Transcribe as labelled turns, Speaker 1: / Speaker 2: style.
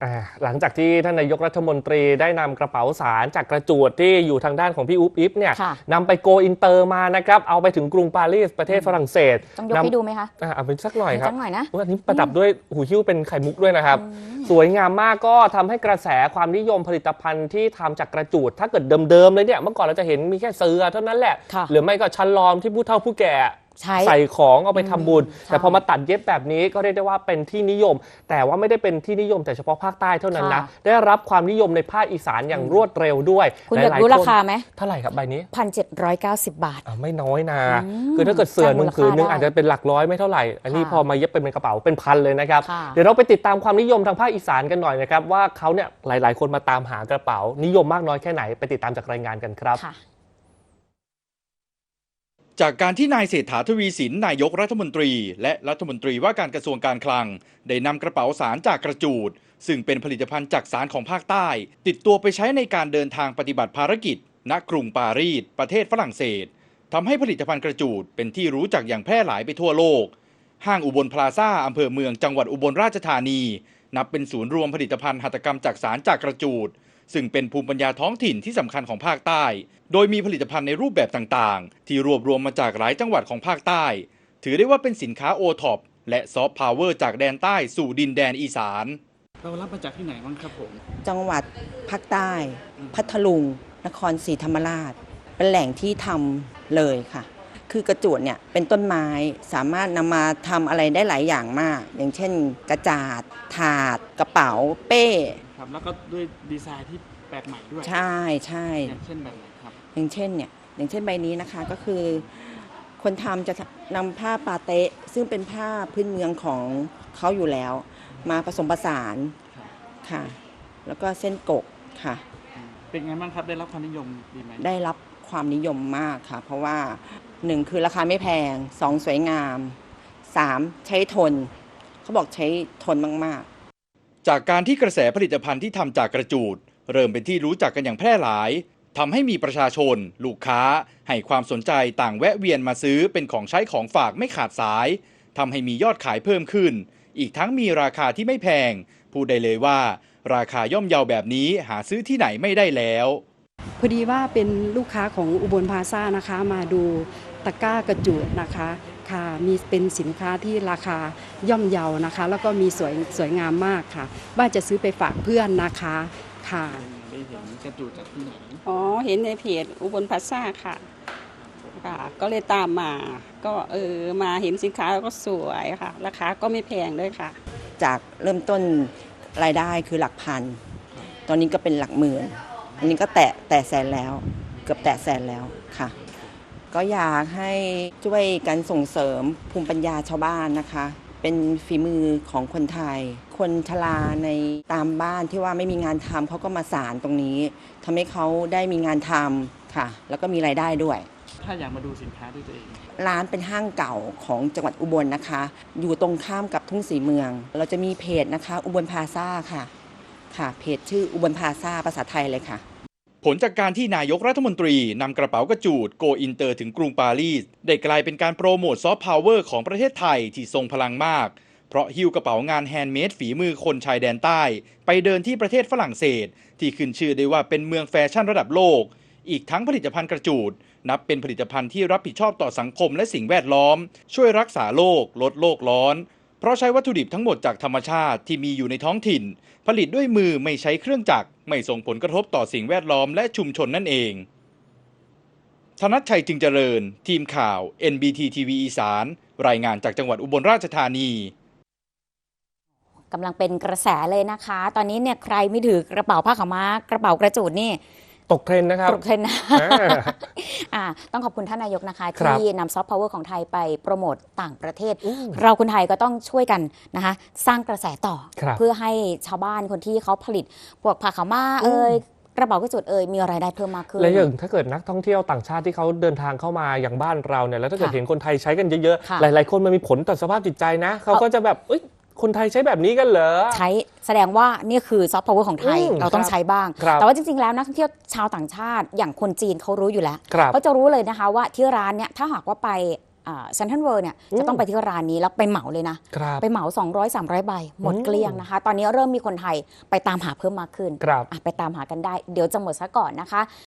Speaker 1: หลังจากที่ท่านนายกรัฐมนตรีได้นำกระเป๋าสารจากกระจูดที่อยู่ทางด้านของพี่อุ๊บอิ๊บเนี่ยนำไปโกอินเตอร์มานะครับเอาไปถึงกรุงปารีสประเทศฝรั่งเศส
Speaker 2: ต้องยกให้ดูไหมคะ
Speaker 1: เอาไปสักหน่อยครับ
Speaker 2: สักหน่อยนะ
Speaker 1: อันนี้ประดับด้วยหูหิ้วเป็นไข่มุกด้วยนะครับสวยงามมากก็ทำให้กระแสความนิยมผลิตภัณฑ์ที่ทำจากกระจูดถ้าเกิดเดิมๆเลยเนี่ยเมื่อก่อนเราจะเห็นมีแค่เสือเท่านั้นแหละหรือไม่ก็ชั้นลอมที่ผู้เฒ่าผู้แก่ใส่ของเอาไปทำบุญแต่พอมาตัดเย็บแบบนี้ก็เรียกได้ว่าเป็นที่นิยมแต่ว่าไม่ได้เป็นที่นิยมแต่เฉพาะภาคใต้เท่านั้นนะได้รับความนิยมในภาคอีสานอย่างรวดเร็วด้วย
Speaker 2: คุณอยากรู้ราคาไหม
Speaker 1: เท่าไหร่ครับใบนี้
Speaker 2: 1,790 บาท
Speaker 1: ไม่น้อยนะคือถ้าเกิดเสื่อหนึ่งผืนนึงอาจจะเป็นหลักร้อยไม่เท่าไหร่อันนี้พอมาเย็บเป็นกระเป๋าเป็นพันเลยนะครับเดี๋ยวเราไปติดตามความนิยมทางภาคอีสานกันหน่อยนะครับว่าเขาเนี่ยหลายๆคนมาตามหากระเป๋านิยมมากน้อยแค่ไหนไปติดตามจากรายงานกันครับ
Speaker 3: จากการที่นายเศรษฐาทวีสินนายกรัฐมนตรีและรัฐมนตรีว่าการกระทรวงการคลังได้นำกระเป๋าสารจากกระจูดซึ่งเป็นผลิตภัณฑ์จากสารของภาคใต้ติดตัวไปใช้ในการเดินทางปฏิบัติภารกิจณกรุงปารีสประเทศฝรั่งเศสทำให้ผลิตภัณฑ์กระจูดเป็นที่รู้จักอย่างแพร่หลายไปทั่วโลกห้างอุบลพลาซ่าอำเภอเมืองจังหวัดอุบลราชธานีนับเป็นศูนย์รวมผลิตภัณฑ์หัตถกรรมจากสารจากกระจูดซึ่งเป็นภูมิปัญญาท้องถิ่นที่สำคัญของภาคใต้โดยมีผลิตภัณฑ์ในรูปแบบต่างๆที่รวบรวมมาจากหลายจังหวัดของภาคใต้ถือได้ว่าเป็นสินค้าโอท็อปและซอฟต์พาวเวอร์จากแดนใต้สู่ดินแดนอีสาน
Speaker 4: เรารับมาจากที่ไหนบ้างครับผม
Speaker 5: จังหวัดภาคใต้พัทลุงนครศรีธรรมราชเป็นแหล่งที่ทำเลยค่ะคือกระจูดเนี่ยเป็นต้นไม้สามารถนำมาทำอะไรได้หลายอย่างมากอย่างเช่นกระจาดถาดกระเป๋าเป้
Speaker 4: ครับแล้วก็ด้วยดีไซน์ที่แปลกใหม่ด้วย
Speaker 5: ใช่ใช่
Speaker 4: อย่างเช่นแบบไหนครับ
Speaker 5: อย่างเช่นใบนี้นะคะก็คือคนทำจะนำผ้าปาเต๊ะซึ่งเป็นผ้าพื้นเมืองของเขาอยู่แล้วมาผสมผสานค่ะแล้วก็เส้นกกค่ะ
Speaker 4: เป็นไงบ้างครับได้รับความนิยมดีไหม
Speaker 5: ได้รับความนิยมมากค่ะเพราะว่า1คือราคาไม่แพง2สวยงาม3ใช้ทนเขาบอกใช้ทนมาก
Speaker 3: ๆจากการที่กระแสผลิตภัณฑ์ที่ทำจากกระจูดเริ่มเป็นที่รู้จักกันอย่างแพร่หลายทำให้มีประชาชนลูกค้าให้ความสนใจต่างแวะเวียนมาซื้อเป็นของใช้ของฝากไม่ขาดสายทำให้มียอดขายเพิ่มขึ้นอีกทั้งมีราคาที่ไม่แพงพูดได้เลยว่าราคาย่อมเยาแบบนี้หาซื้อที่ไหนไม่ได้แล้ว
Speaker 6: พอดีว่าเป็นลูกค้าของอุบลพลาซ่านะคะมาดูตะกร้ากระจูดนะคะค่ะมีเป็นสินค้าที่ราคาย่อมเยานะคะแล้วก็มีสวยงามมากค่ะว่าจะซื้อไปฝากเพื่อนนะคะค่ะ
Speaker 4: ได้เห็นกระจูดจากที่ไหน
Speaker 7: เห็นในเพจอุบลพลาซ่าค่ะก็เลยตามมาก็มาเห็นสินค้าแล้วก็สวยค่ะราคาก็ไม่แพงด้วยค่ะ
Speaker 5: จากเริ่มต้นรายได้คือหลักพันตอนนี้ก็เป็นหลักหมื่นอันนี้ก็แตะแสนแล้วเกือบแตะแสนแล้วค่ะก็อยากให้ช่วยกันส่งเสริมภูมิปัญญาชาวบ้านนะคะเป็นฝีมือของคนไทยคนชราในตามบ้านที่ว่าไม่มีงานทำเขาก็มาสานตรงนี้ทำให้เขาได้มีงานทำค่ะแล้วก็มีรายได้ด้วย
Speaker 4: ถ้าอยากมาดูสินค้าด้วยตัวเอง
Speaker 5: ร้านเป็นห้างเก่าของจังหวัดอุบลนะคะอยู่ตรงข้ามกับทุ่งศรีเมืองเราจะมีเพจนะคะอุบลพลาซ่าค่ะเพจชื่ออุบลพลาซ่าภาษาไทยเลยค่ะ
Speaker 3: ผลจากการที่นายกรัฐมนตรีนำกระเป๋ากระจูดโกอินเตอร์ถึงกรุงปารีสได้กลายเป็นการโปรโมทซอฟต์พาวเวอร์ของประเทศไทยที่ทรงพลังมากเพราะหิ้วกระเป๋างานแฮนด์เมดฝีมือคนชายแดนใต้ไปเดินที่ประเทศฝรั่งเศสที่ขึ้นชื่อได้ว่าเป็นเมืองแฟชั่นระดับโลกอีกทั้งผลิตภัณฑ์กระจูดนับเป็นผลิตภัณฑ์ที่รับผิดชอบต่อสังคมและสิ่งแวดล้อมช่วยรักษาโลกลดโลกร้อนเพราะใช้วัตถุดิบทั้งหมดจากธรรมชาติที่มีอยู่ในท้องถิ่นผลิตด้วยมือไม่ใช้เครื่องจักรไม่ส่งผลกระทบต่อสิ่งแวดล้อมและชุมชนนั่นเองธนชชัยจึงเจริญทีมข่าว NBT ทีวีอีสานรายงานจากจังหวัดอุบลราชธานี
Speaker 2: กำลังเป็นกระแสเลยนะคะตอนนี้เนี่ยใครไม่ถือกระเป๋าผ้าขาวม้ากระเป๋ากระจูดนี่
Speaker 1: ตกเทรนนะครับ
Speaker 2: ตกเทรนนะต้องขอบคุณท่านนายกนะคะที่นำซอฟต์พาวเวอร์ของไทยไปโปรโมทต่างประเทศเราคนไทยก็ต้องช่วยกันนะคะสร้างกระแสต่อเพื่อให้ชาวบ้านคนที่เขาผลิตพวกผ้าขาวม้ากระเป๋ากระจูดมีรายได้เพิ่มมากขึ้น
Speaker 1: และอย่างถ้าเกิดนักท่องเที่ยวต่างชาติที่เขาเดินทางเข้ามาอย่างบ้านเราเนี่ยแล้วถ้าเกิดเห็นคนไทยใช้กันเยอะๆหลายๆคนมันมีผลต่อสภาพจิตใจนะเขาก็จะแบบคนไทยใช้แบบนี้กันเหรอ
Speaker 2: ใช้แสดงว่านี่คือซอฟต์พาวเวอร์ของไทยเราต้องใช้บ้างแต่ว่าจริงๆแล้วนักท่องเที่ยวชาวต่างชาติอย่างคนจีนเขารู้อยู่แล้วเขาจะรู้เลยนะคะว่าที่ร้านเนี่ยถ้าหากว่าไปเซ็นทรัลเวิลด์เนี่ยจะต้องไปที่ร้านนี้แล้วไปเหมาเลยนะไปเหมา 200-300 ใบหมดเกลี้ยงนะคะตอนนี้เริ่มมีคนไทยไปตามหาเพิ่มมากขึ้นไปตามหากันได้เดี๋ยวจะหมดซะก่อนนะคะ